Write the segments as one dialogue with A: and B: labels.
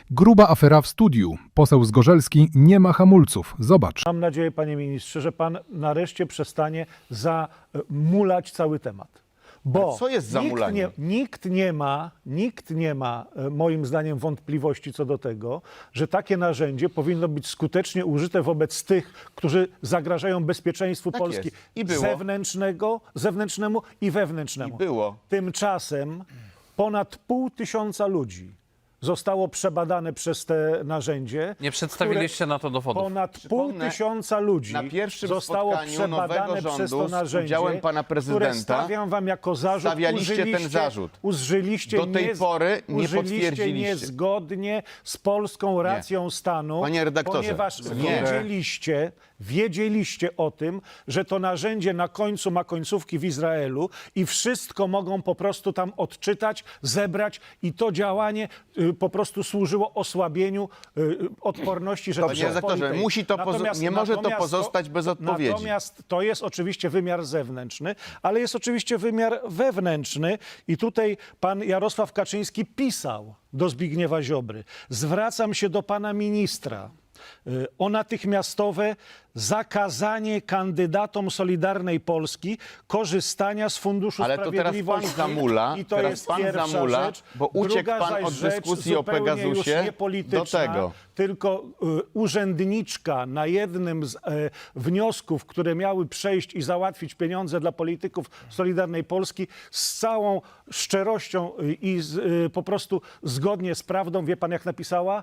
A: Gruba afera w studiu. Poseł Zgorzelski nie ma hamulców. Zobacz.
B: Mam nadzieję, panie ministrze, że pan nareszcie przestanie zamulać cały temat. Bo
C: Ale co jest zamulaniem?
B: nikt nie ma, moim zdaniem, wątpliwości co do tego, że takie narzędzie powinno być skutecznie użyte wobec tych, którzy zagrażają bezpieczeństwu
C: Tak
B: Polski
C: jest. I było.
B: zewnętrznemu i wewnętrznemu.
C: I było.
B: Tymczasem ponad 500 ludzi zostało przebadane przez te narzędzie.
D: Nie przedstawiliście na to dowodów.
B: Ponad
C: Przypomnę,
B: 500 ludzi
C: na pierwszym
B: zostało
C: spotkaniu nowego
B: przebadane
C: rządu
B: przez to
C: z
B: narzędzie,
C: udziałem pana
B: które
C: prezydenta
B: stawiam wam jako zarzut.
C: stawialiście ten zarzut.
B: Użyliście
C: Do tej pory nie
B: użyliście
C: potwierdziliście.
B: niezgodnie z polską racją stanu,
C: Panie redaktorze,
B: ponieważ
C: nie.
B: wiedzieliście o tym, że to narzędzie na końcu ma końcówki w Izraelu i wszystko mogą po prostu tam odczytać, zebrać i to działanie po prostu służyło osłabieniu odporności
C: Panie
B: Rzeczypospolitej.
C: redaktorze, nie może to pozostać bez odpowiedzi.
B: Natomiast to jest oczywiście wymiar zewnętrzny, ale jest oczywiście wymiar wewnętrzny i tutaj pan Jarosław Kaczyński pisał do Zbigniewa Ziobry. Zwracam się do pana ministra o natychmiastowe zakazanie kandydatom Solidarnej Polski korzystania z Funduszu
C: Ale to teraz
B: Sprawiedliwości.
C: pan zamula,
B: I to
C: teraz
B: jest
C: pan
B: pierwsza
C: zamula,
B: rzecz.
C: bo uciekł
B: Druga
C: pan
B: zaś
C: od
B: rzecz,
C: dyskusji o
B: zupełnie
C: Pegasusie
B: już nie polityczna,
C: do tego.
B: tylko urzędniczka na jednym z wniosków, które miały przejść i załatwić pieniądze dla polityków Solidarnej Polski, z całą szczerością i po prostu zgodnie z prawdą, wie pan jak napisała?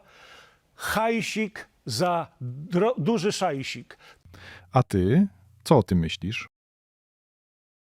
B: Hajsik za duży szajsik.
A: A ty? Co o tym myślisz?